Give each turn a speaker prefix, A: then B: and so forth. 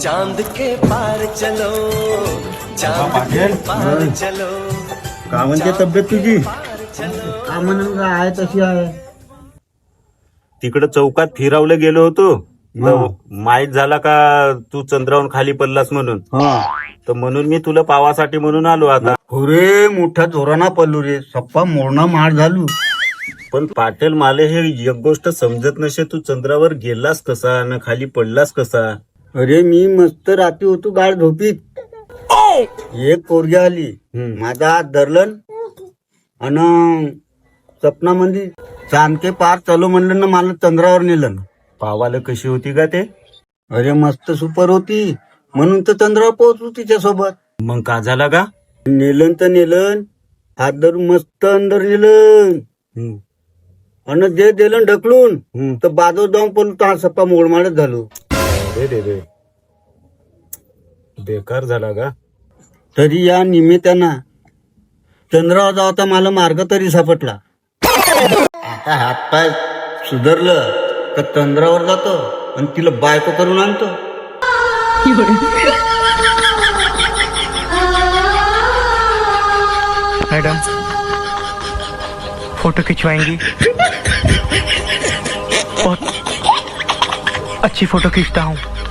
A: चांद के पार चलो, चांद के पार चलो.
B: का म्हणते तब्येत तुझी?
C: का म्हणून आहे तशी आहे.
D: तिकडं चौकात फिरावलं गेलो होतो. माहित झाला का तू चंद्रावरून खाली पडलास म्हणून. तर म्हणून मी तुला पावासाठी म्हणून आलो आता.
B: हो रे, मोठ्या जोराना पडलो रे, सप्पा मोडणा मार झालो.
D: पण पाटील माले हे एक गोष्ट समजत नसे, तू चंद्रावर गेलास कसा न खाली पडलास कसा.
B: अरे मी मस्त रात्री होतो गाड झोपीत. एक पोरगी आली, माझा हात धरलं आणि सपनामध्ये चांद के पार चलो म्हणलं ना, मला चंद्रावर नेलं.
D: पावाला कशी होती का ते?
B: अरे मस्त सुपर होती, म्हणून तर चंद्रावर पोहोचलो तिच्यासोबत.
D: मग का झाला का?
B: नेलन तर नेलन, हात धरून मस्त अंदर नेलं आणि जे दिलं ढकलून तर बाजू जाऊन पण हा सप्पा मोडमाडच झालो.
D: रे बेकार झाला का?
B: तरी या निमित्तानं चंद्रावर जावता मला मार्ग तरी सापडला. आता हातपाय सुधारलं तर चंद्रावर जातो आणि तिला बायको करून आणतो.
E: मैडम फोटो खिंचवाएंगी? बहुत अच्छी फोटो खींचता हूँ.